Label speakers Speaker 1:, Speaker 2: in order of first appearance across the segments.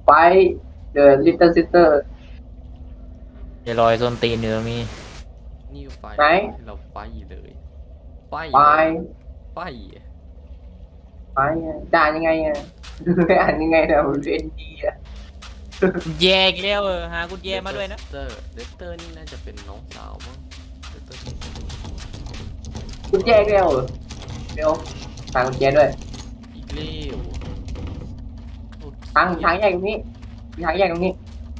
Speaker 1: ไฟเดอะลิตเติ้ลซิสเตอร์
Speaker 2: จะลอยส้นตีนเนื้อมี
Speaker 3: นี่ไฟ
Speaker 1: ไหน
Speaker 3: เราไฟเลยไฟ
Speaker 1: ไฟ
Speaker 3: ไฟ
Speaker 1: ไฟด่านยังไงอ่ะ อ่านยังไงเนี่ยเรียนดีอ่ะ
Speaker 2: แยกแล้วหากุญแจมาด้วยนะ
Speaker 3: เดสเตอร์นี่น่าจะเป็นน้องสาวมั้งเดสเตอร์
Speaker 1: กุญแจเร็วเร็วทางกุญแจด้วย
Speaker 3: อีกเลี้ยว
Speaker 1: ทางแยกตรงนี้มีทางแยกตรงนี้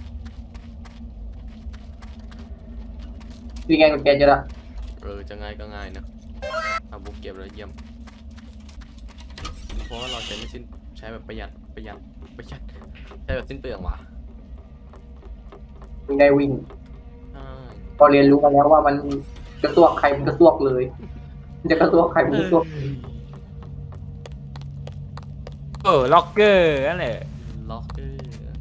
Speaker 1: มีไงกุญแจเจอละ
Speaker 3: จะง่ายก็ง่ายนะบุกเก็บแล้วเยี่ยมเพราะว่าเราใช้ไม่สิ้นใช้แบบประหยัดใช้แบบสิ้นเปลืองว่ะ
Speaker 1: มีได้วิ่ง
Speaker 3: ใช่
Speaker 1: พอเรียนรู้มาแล้วว่ามันกระซวกใครมันกระซวกเลยมันจะกระซวกใครมันกระซวก
Speaker 2: ล็อกเกอร์นั่นแหละ
Speaker 3: ล็อกเกอร์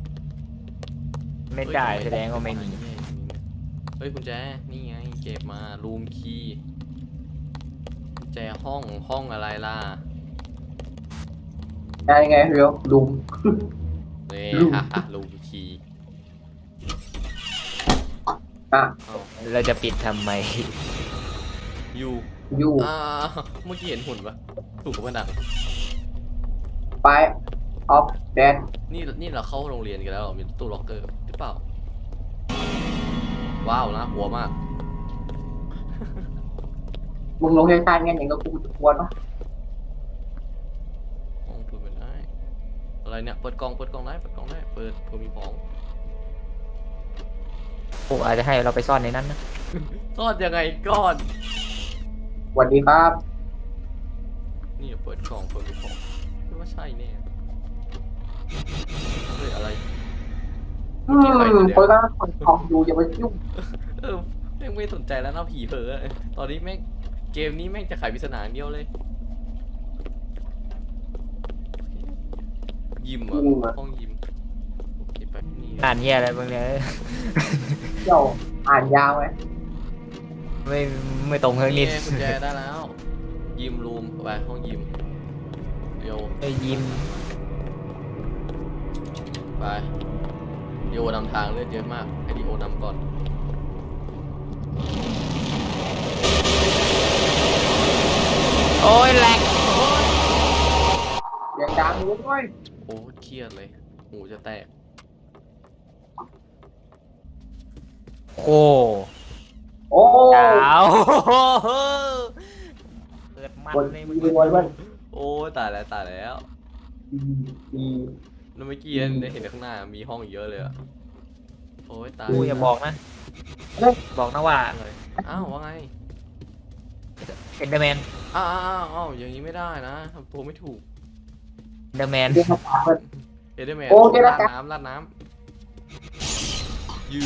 Speaker 2: ไม่ได้แสดงว่าไม่มี
Speaker 3: เฮ้ยกุญแจนี่ไงเก็บมารูมคีย์กุญแจห้องอะไรล่ะ
Speaker 1: ได้ยังไงเร็วลุม
Speaker 3: นี่
Speaker 1: รูม
Speaker 3: ฮ่ารูมคีย์
Speaker 1: อ่ะ
Speaker 3: เอา
Speaker 2: เราจะปิดทำไม
Speaker 3: อยู่
Speaker 1: อยู่
Speaker 3: เมื่อกี้เห็นหุ่นปะถูกกับมันดัง
Speaker 1: ไปออฟแดน
Speaker 3: นี่เราเข้าโรงเรียนกันแล้วเหรอมีตู้ล็อกเกอร์หรือเปล่าว้าวนะหัวมาก
Speaker 1: มึงลงให้ทานงั้นอย่างก็กูจะกวนวะ
Speaker 3: ห้องพูดไม่ได้อะไรเนี่ยเปิดกล่องได้เปิดเผื่อมีของ
Speaker 2: พวกอาจจะให้เราไปซ่อนในนั้นนะ
Speaker 3: ซ่อนยังไงก่อน
Speaker 1: สวัสดีครับ
Speaker 3: นี่เปิดกล่องเผื่อมีของคิดว่าใช่แน่เฮ้ยอะไร
Speaker 1: คนก็ของอยู่อย่ามายุ่ง
Speaker 3: แม่งไม่สนใจแล้วนะผีเผลอตอนนี้แม่งเกมนี้แม่งจะไขปริศนาอย่างเดียวเลยยิมเหรอห้องยิมโอเคไปนี่
Speaker 2: อ่านเหี้ยอะไรบ้างเนี่ย
Speaker 1: เที่ยวอ่านยาวไหม
Speaker 2: ไม่ตรงเท่า
Speaker 3: นี่
Speaker 2: นี้
Speaker 3: กุญแจได้แล้ว ยิมรูมไปห้องยิมเดี๋ยว
Speaker 2: ยิ้ม
Speaker 3: ไปดีโอนำทางเลือดเยอะมากให้ดีโอนำก่อน
Speaker 2: โอ้ยแหลก
Speaker 1: อย่างดังรู้ด้วย
Speaker 3: โอ้เครียดเลยหูจะแตก
Speaker 2: โอ้
Speaker 1: โอ้
Speaker 2: ดาวเกิดมัน
Speaker 1: บน
Speaker 2: เลย
Speaker 1: มีรวยเว้ย
Speaker 3: โอ้ตายแล้ว
Speaker 1: ดี
Speaker 3: แล้วเมื่อกี้ได้เห็นข้างหน้ามีห้องอีกเยอะเลยอะโอ้ยตาย
Speaker 2: กูอย่าบอกนะ บอกนะว่า
Speaker 3: อะไรอ้าวว่าไง
Speaker 2: เอ็นเดอร์แมน
Speaker 3: อ้าวอย่างนี้ไม่ได้นะทำตัวไม่ถูก
Speaker 2: เอ็นเดอร์แมน
Speaker 1: เรียกมาถามเลย
Speaker 3: เอเดอร์แมน
Speaker 1: โอ้เจรจา
Speaker 3: ราดน้ำยู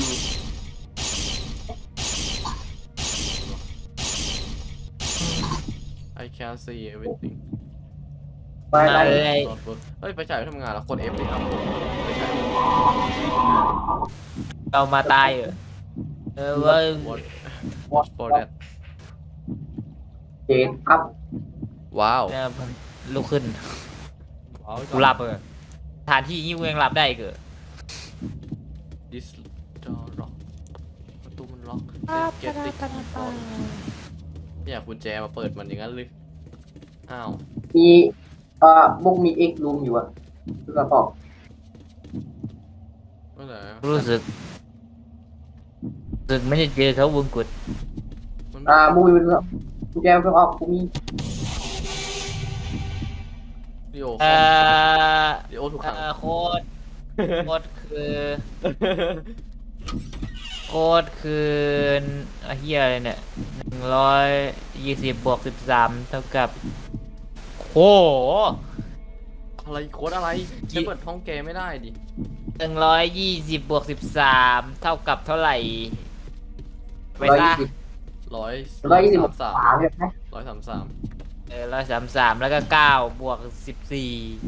Speaker 3: I can see everything
Speaker 1: ไปไป
Speaker 2: เลย
Speaker 3: เฮ้ยไปฉายไม่ทำงานแล้วกด F ดิครับไปฉาย
Speaker 2: เรามาตายว่า
Speaker 3: What for that
Speaker 1: เจดอัพ
Speaker 3: ว้าว
Speaker 2: เนี่ยลุกขึ้นกูหลับสถานที่นี้กูยังหลับได้เกิด
Speaker 3: This door lock ประตูมันล็อกเก็ตติ๊กไม่อยากกุญแจมาเปิดมันอย่างนั้นเลยอ้าว
Speaker 1: มีมุกมีเอ็กรูมอยู่อะคือกระสอบ
Speaker 3: เมื่อไหร่
Speaker 2: รู้สึกไม่ได้เจอเขาวงกุฎ
Speaker 3: มัน
Speaker 1: มุกมีเป็นเรื่องกุญแจเพิ่งออกกูมี
Speaker 3: ดิโอ
Speaker 2: เอ่อ
Speaker 3: ดิโอถูกขัง
Speaker 2: โค้ดคือเฮียอะไรเนี่ย120 บวก 13 เท่ากับโอ้
Speaker 3: อะไรโค้ดอะไรจะเปิดท้องแกไม่ได้ดิ
Speaker 2: 120 บวก 13 เท่ากับเท่าไหร่ไปซะ
Speaker 1: 120
Speaker 3: สาม
Speaker 1: ใช่ไหม
Speaker 3: 133
Speaker 2: แล้วก็9 บวก 14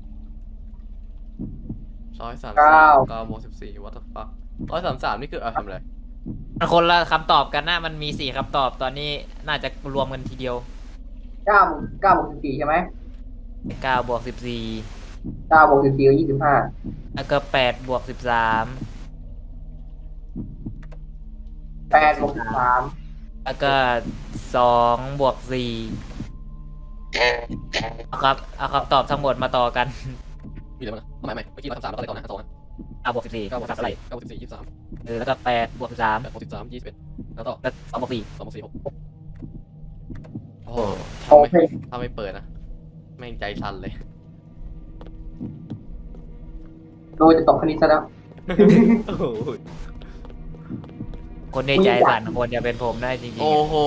Speaker 3: 9บวก14 what the fuck 133นี่คือทำอะไร
Speaker 2: มันคนละคำตอบกันนะมันมี4คำตอบตอนนี้น่าจะรวมกันทีเดียว
Speaker 1: 9 บวก 14ใช่ไหม
Speaker 2: 9 บวก 14
Speaker 1: 9 บวก 14 ก็ 25
Speaker 2: แล้วก็8 บวก 13
Speaker 1: 8 บวก 13
Speaker 2: แล้วก็2 บวก 4เอาครับเอาคำตอบทั้งหมดมาต่อกัน
Speaker 3: มีอะไรบ้างนะเอาใหม่เมื่อกี้เราทำ3แล้วก็อะไรต่อนะ2นะ
Speaker 2: 9 บวก 14
Speaker 3: 9บวก
Speaker 2: เท่าไหร่
Speaker 3: 9บวก14 23
Speaker 2: แล้วก็8 บวก 13
Speaker 3: 8บวก13 21แล้วต่อ
Speaker 2: แล้ว2 บวก 4
Speaker 3: 2บวก4 6โอ้โห
Speaker 1: โอเค
Speaker 3: ถ้าไม่เปิดนะแม่งใจสั่นเลย
Speaker 1: โดยจะตกคณิตซะแล้ว
Speaker 3: โอ้โห
Speaker 2: คนในใจสั่นคนจะเป็นผมได้จริง
Speaker 3: โอ้โห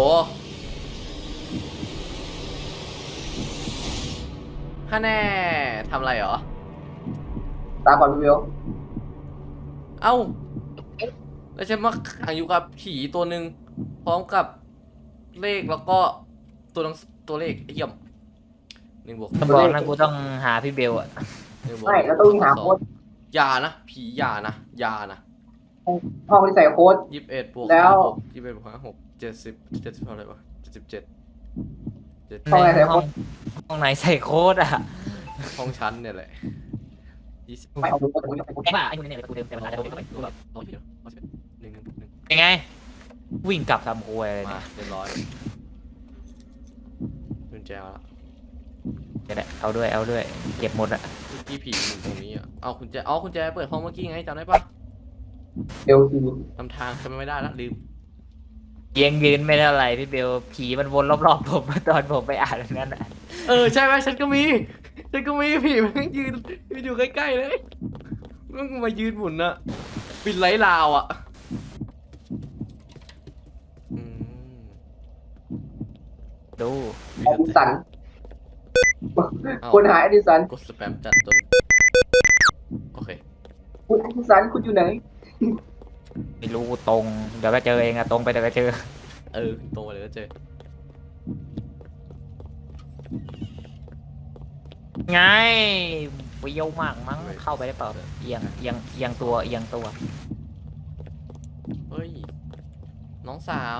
Speaker 3: ฮะแน่ทำอะไรเหรอ
Speaker 1: ตามก่อนพี่วิว
Speaker 3: เอ้า แล้วฉันมาขังอยู่กับผีตัวหนึ่งพร้อมกับเลขแล้วก็ตัวเลขไอ้เหี้ยม1 บวก
Speaker 2: ๆจะบอกนะกูต้องหาพี่เบลอะ
Speaker 3: 1 บวก
Speaker 1: ไม่แล้วต้องหาโค้ด
Speaker 3: อย่านะผีอย่านะ
Speaker 1: ห้องที่ใส่โค้ด
Speaker 3: 21 บวก
Speaker 1: แล้ว
Speaker 3: 6 21 บวก5 6 70เท่าไหร่วะ77
Speaker 1: ห้องไหนใส่โค้ด
Speaker 2: ห้องไหนใส่โค้ดอะ
Speaker 3: ห้องชั้นเนี่ยแหละ20
Speaker 1: ไม่เอาโค้ด
Speaker 2: ไอ้บ้าไอ้คนนี้เนี่ยกูเดิมแต่เวลาจะ
Speaker 3: 1
Speaker 2: ยังไง วิ่งกลับทำครัวเลย
Speaker 3: มาเรียบร้อยกุญแจมาแล้ว
Speaker 2: เดี๋ยวเอาด้วยเก็บหมดอะ
Speaker 3: เมื่อกี้ผีอยู่ตรงนี้อ่ะเอากุญแจเปิดห้องเมื่อกี้ไงจำได้ปะ
Speaker 1: เดี๋ยวที
Speaker 3: ทำทางจำไม่ได้ละลืม
Speaker 2: ยังยืนไม่เท่าไหร่พี่เบลผีมันวนรอบๆผมตอนผมไปอ่านนั่นอะ
Speaker 3: ใช่ไหมฉันก็มีผีมันยืนอยู่ใกล้ๆเลยมันมายืนหมุนอะปิดไลท์ลาวอะอืม
Speaker 2: ดู
Speaker 1: แอดิสันคนหายแอดิสัน
Speaker 3: กดสแปมจัดจนโอเค
Speaker 1: คุณแอดิสันคุณอยู่ไหน
Speaker 2: ไม่รู้ตรงเดี๋ยวก็เจอเองอะตรงไปเดี๋ยวก็เจอ
Speaker 3: ตรงไปเลยก็เจอ
Speaker 2: ไงเฟี้ยวมากมั้งเข้าไปได้เปล่าเอียงตัว
Speaker 3: เฮ้ยน้องสาว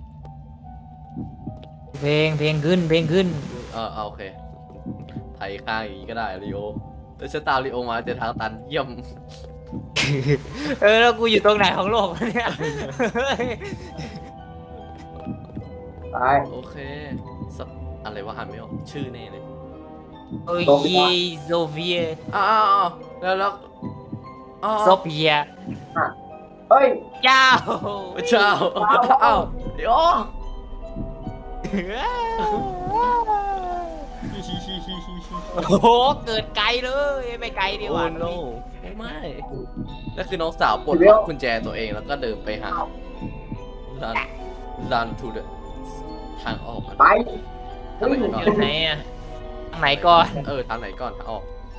Speaker 2: เพลงขึ้น
Speaker 3: โอเคไทยข้างอย่างนี้ก็ได้ลีโอแต่ฉันตามลีโอมาเจอทางตันเยี่ยม
Speaker 2: แล้วกูอยู่ตรงไหนของโลกวะเนี่ย
Speaker 1: ตาย
Speaker 3: โอเคสับอะไรวะหันไม่ออกชื่อแน่เลย
Speaker 2: โอ้ยโซเวีย
Speaker 3: อ้าวแล้วอ้าว
Speaker 2: โซเฟีย
Speaker 1: เฮ้ย
Speaker 2: เจ้า
Speaker 3: เจ้าอ้าวเดี๋ยว
Speaker 2: โอ้โหเกิดไกลเลยไม่ไกลดีก
Speaker 3: โอ้
Speaker 2: ว่า
Speaker 3: โนไม่นั่นคือน้องสาวปลดล็อกกุญแจตัวเองแล้วก็เดินไปหารันทูเดทางออก
Speaker 1: ไป
Speaker 3: ทางไหน
Speaker 2: อ
Speaker 3: ก่อน
Speaker 2: ยู่ไหนอะทางไหนก่อน
Speaker 3: ทางไหนก่อนทางออก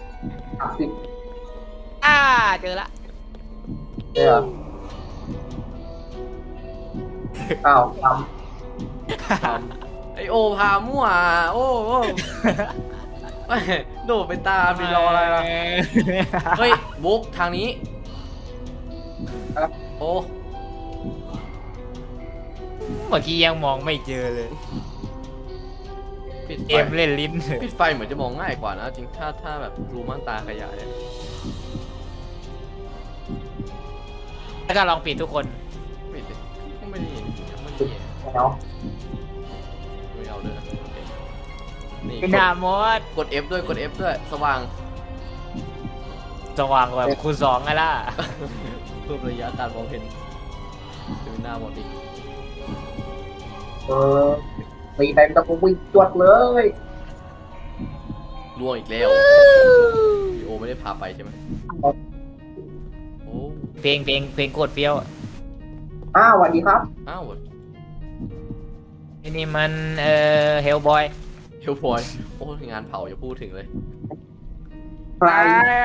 Speaker 1: 30
Speaker 2: เจอละ
Speaker 1: เนี่ยอ้าวท
Speaker 3: ไอโอพามั่วโอ้โดดไปตามไปรออะไรล่ะเฮ้ยบุ๊กทางนี้โอ้
Speaker 2: เมื่อกี้ยังมองไม่เจอเลย
Speaker 3: ปิด
Speaker 2: เก
Speaker 3: ไฟ
Speaker 2: มเล่นลิ้น
Speaker 3: ปิดไฟเหมือนจะมองง่ายกว่านะจริงถ้าแบบรูม่านตาขยายอะ
Speaker 2: แล้วก็ลองปิดทุกคน
Speaker 3: ปิดดิก็ไม่ได้ยังไม่ได้
Speaker 1: ำแล้ว
Speaker 3: ไม่เอาเลยนะโอเคนี่
Speaker 2: หน้ามด
Speaker 3: กด F ด้วยกด F ด้วยสว่าง
Speaker 2: สว่างแบบคูณ2ไงล่ะ
Speaker 3: เพิ่มระยะการมองเห็นจะเป็นหน้าหมดอีก
Speaker 1: ตีไปตะกุวิ่งจวดเลย
Speaker 3: ล่วงอีกแล้วพี่โอไม่ได้พาไปใช่ไหมโอ้
Speaker 2: เพลงโคตรเฟี้ยว
Speaker 1: อ้าวสวัสดีครับ
Speaker 3: อ้าว
Speaker 2: นี่มันเฮลบอย
Speaker 3: เฮลพอยโอ้งานเผาอย่าพูดถึงเลย
Speaker 1: ใคร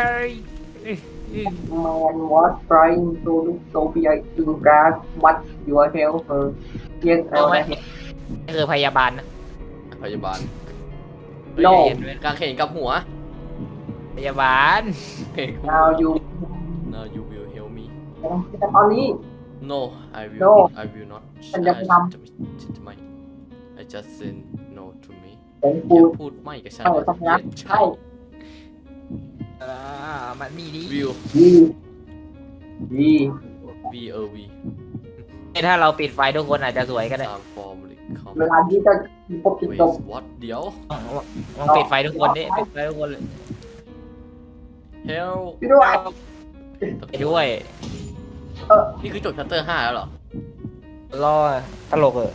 Speaker 1: Man was trying to look Sophia in grass but your help her yes
Speaker 2: เอาไหมนี่คือพยาบาลนะ
Speaker 3: พยาบาล
Speaker 1: โล
Speaker 2: เห็นไหม
Speaker 3: กางเขนกับหัว
Speaker 2: พยาบาล
Speaker 3: เฮ้ย
Speaker 1: now you
Speaker 3: Now you will help me
Speaker 1: แต่ตอนนี้
Speaker 3: No I will
Speaker 1: No
Speaker 3: I will not
Speaker 1: ฉันจะทำ
Speaker 3: ฉันจะไม่ I just said no to me
Speaker 1: เป็น
Speaker 3: อ
Speaker 1: กู
Speaker 3: ย่าพูดไม่กับฉัน
Speaker 1: ต้องรัก
Speaker 3: ใช่
Speaker 2: มันมีดี
Speaker 3: วิว
Speaker 1: ดีดี
Speaker 3: VOV
Speaker 2: ถ้าเราปิดไฟทุกคนอาจจะสวยก็ได้
Speaker 3: ตามฟอร์มเลยคอม
Speaker 1: เวลาที่จะพบจุด
Speaker 3: เว
Speaker 1: จบ
Speaker 3: สวอตเดี๋ยว
Speaker 2: ลองปิดไฟทุกคนดิปิดไฟทุกคนเลย
Speaker 3: เฮล
Speaker 1: พี่ด้วย
Speaker 2: ไปด้วย
Speaker 3: นี่คือจบชัตเตอร์5แล้วเหรอ
Speaker 2: รอตลกเออ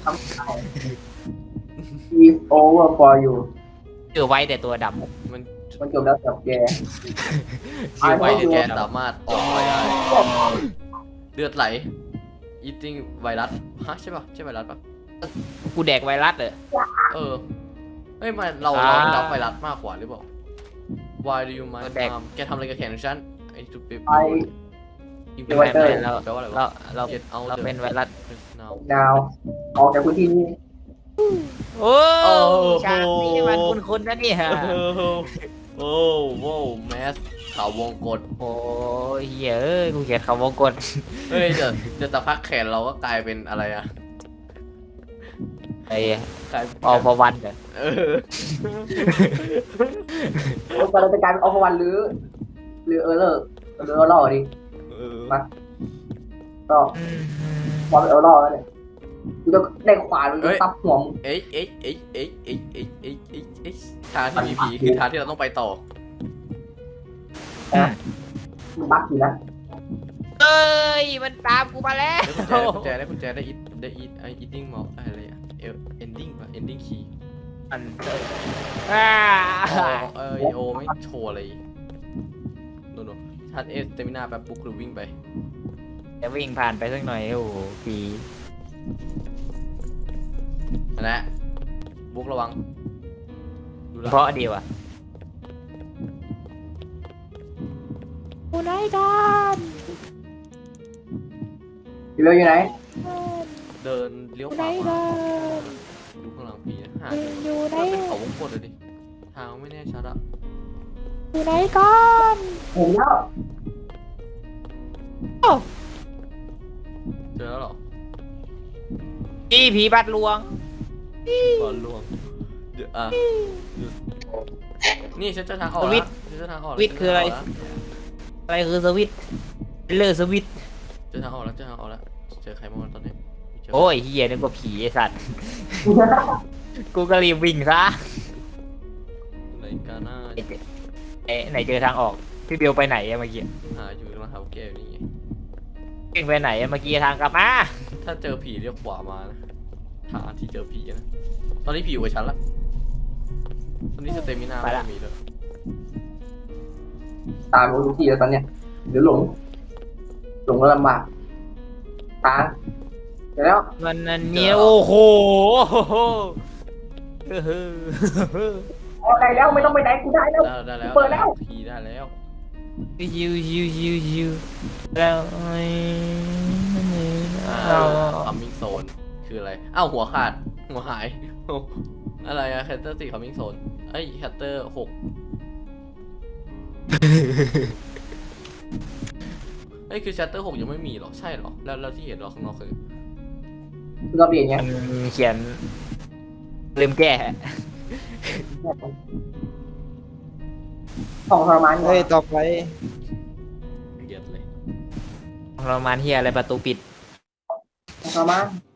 Speaker 1: is over for you
Speaker 2: ชื่อไว้แต่ตัวดำ
Speaker 3: มัน
Speaker 1: มันจบแล้วกับแก
Speaker 2: ชื่อไว้
Speaker 3: ไว้
Speaker 2: แต่
Speaker 3: แก
Speaker 2: ตัวด
Speaker 3: สามารถออกไปได้เลือดไหล eating ไวรัสฮะใช่ป่ะใช่ไวรัสป่ะ
Speaker 2: ำกูแดกไวรัสเหรอ
Speaker 3: เออเฮ้ยมันเรา
Speaker 2: อ่า
Speaker 3: รับไวรัสมากกว่าหรือเปล่า Why do you mind
Speaker 2: แดก
Speaker 3: แกทำอะไรกับแขนของฉันไอ้จุดเป
Speaker 1: ไอ
Speaker 3: อิม
Speaker 2: ไม่
Speaker 3: แปล
Speaker 2: ไม่เรา
Speaker 3: ว่าอะไร
Speaker 2: เรา
Speaker 3: วะ
Speaker 2: เรา
Speaker 3: Get out
Speaker 2: เรา
Speaker 3: the
Speaker 2: เป็นไวรัส
Speaker 3: now
Speaker 1: ดาวออกจากพื้นที่นี้
Speaker 2: โอ้
Speaker 3: โอ้
Speaker 2: ฉากนี้มันคุ้นๆนะเนี่ย
Speaker 3: โอ้โว้แมสขาววงกด
Speaker 2: โอ้ยเฮ้ยกูเขียนคำวงกล
Speaker 3: เฮ้ยจะตะพักแขนเราก็กลายเป็นอะไรอะ
Speaker 2: ไอ้
Speaker 3: กลายเป็น
Speaker 2: ออฟวันเหรอ
Speaker 3: เออ
Speaker 1: เราจะกลายเป็นออฟวันหรือเออเลอร์หรือเออร์ลอดิ
Speaker 3: เออ
Speaker 1: มาก็พอเป็นเออร์ลอแล้วเนี่ยกูจะได้ขวานกูจะซับหัวมึง
Speaker 3: เอ๊ะทางที่มีผีคือทางที่เราต้องไปต่อ
Speaker 1: มึงบักอยู่นะ
Speaker 2: เอ้ยมันตามกูมาแล้ว
Speaker 3: ได้กุญแจได้ไอ้ eating mouse อะไรอะending ป่ะ ending key
Speaker 2: มันอ่า
Speaker 3: โอไม่โชว์อะไรโน่นชาร์จสเตมินาแบบปุ๊บหรือวิ่งไป
Speaker 2: จะวิ่งผ่านไปสักหน่อยโอ้โหปี
Speaker 3: นั่นแหละบุ๊กระวังดูแล
Speaker 2: เพราะดีว่ะกูไหนกัน
Speaker 1: อยู่เลยอยู่ไหน
Speaker 3: เดินเลี้ยวขวามาดูข้างหลังผีนะหาอยู่ไหนเป็นเขาวงกตเลยดิทางไม่แน่ชัดอะ
Speaker 2: อยู่ไหนกัน
Speaker 1: เห็นแล้ว
Speaker 3: เจอแล้วเหรอ
Speaker 2: พี่ผีบัดลวง
Speaker 3: บอลลวงเดี๋ยวนี่ฉันจะทางออก
Speaker 2: สวิ
Speaker 3: แล้ว
Speaker 2: ตช์
Speaker 3: ฉันจะทางออก
Speaker 2: สวิตช์คืออะไร อะไรคือสวิตช์เลอร์สวิตช์
Speaker 3: เจอทางออกแล้วเจอใครบ้างตอนนี้เจ
Speaker 2: โอ้ยเฮียนึกว่าผีไอสัตว์ กูก็รีบวิ่งซะ
Speaker 3: ไหนกาน่า
Speaker 2: เอ๊ะไหนเจอทางออกพี่เบลไปไหนอะเมื่อกี้
Speaker 3: หาอยู่กำลังหาแก้วนี่ไง
Speaker 2: วิ่งไปไหนอะเมื่อกี้ทางกลับมา
Speaker 3: ถ้าเจอผีเรียกขวามานะทางที่เจอผีนะตอนนี้ผีอยู่กับฉันละตอนนี้สเตมินาไม่มีเลย
Speaker 1: ตามรู้ที่แล้วตอนเนี้ยเดี๋ยวหลงก็ลำบากตามเดี๋ยวแล้ว
Speaker 2: มันอันเนี้ยโอ้โห
Speaker 1: ออกได้แล้วไม่ต้องไปไหนกูได้แล้ว
Speaker 3: ได้แล้ว
Speaker 1: เปิดแล้ว
Speaker 3: ผีได้แล้ว
Speaker 2: ยูแล้วไอ้เอา
Speaker 3: คัมมิ่งโซนคืออะไรอ้าวหัวขาดหัวหายอะไรอะแคตเตอร์4คัมมิ่งโซนเอ้ยแคตเตอร์6เอ้ยคือชัตเตอร์6ยังไม่มีหรอใช่หรอแล้วที่เห็นเราข้างนอกคือ
Speaker 1: เราเปลี่ยนไง
Speaker 2: มันเขียนลืมแก้
Speaker 1: ของทรมาน
Speaker 4: เฮ้ย ต่อไป
Speaker 3: เกลียดเลย
Speaker 2: ประมาณเฮียอะไรประตูปิด
Speaker 1: ของทรมาน